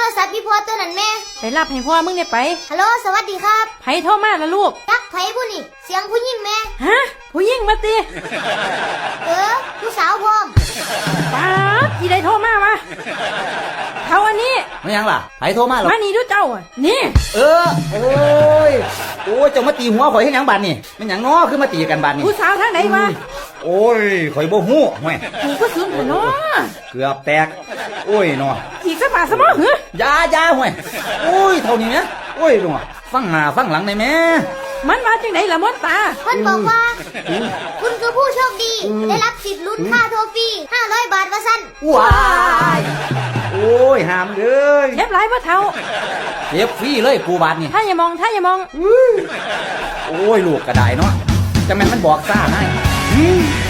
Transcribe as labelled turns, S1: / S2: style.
S1: รศัพท์พี่พ่อตัวนั้นแม่
S2: ไปรับให้พ่อมึงเนี่ยไป
S1: ฮัลโหลสวัสดีครับ
S2: ไผโทรมาละลูก
S1: จักไผผู้นี่เสียงผู้หญิงแม่
S2: ฮะผู้หญิงมาติ
S1: ผู้สาวพร้อม
S2: ป๊าบอีได้โทรมาวะเขาอันนี้
S3: ไม่ยังล่ะไผโทรมาหรอ
S2: มานี่ดูเจ้าอ่ะนี่
S3: โอ้ยเจ้ามาตีหัวข่อยให้หยังบาดนี่มันหยังน้อคือมาตีกันบาดนี่
S2: ผู้สาวทางไหนวะ
S3: โอ้ยข่อยบ่ฮู้ห่วย
S2: กูก็สูญเนาะ
S3: เกือบแตกโอ้ยเนาะ
S2: อีกสักบาทสมองเหร
S3: อยาห่วยโอ้ยเท่านี้นะโอ้ยเนาะฟังหน้าฟังหลังได้แม่
S2: มันมาจังไหนล่ะมดตา
S1: เพิ่นบอกว่าคุณคือผู้โชคดีได้รับสิทธิ์ลุ้นค่าโทรฟรี500 บาทว่าซั่น
S3: ว้ายโอ้ยหามเลย
S2: เจ็บหลายบ่เท่า
S3: เจ็บฟรีเลยกูบาดนี่
S2: ถ้าอย่ามอง
S3: โอ้ยลูกกระไดเนาะจะแม่นมันบอกซ่าให้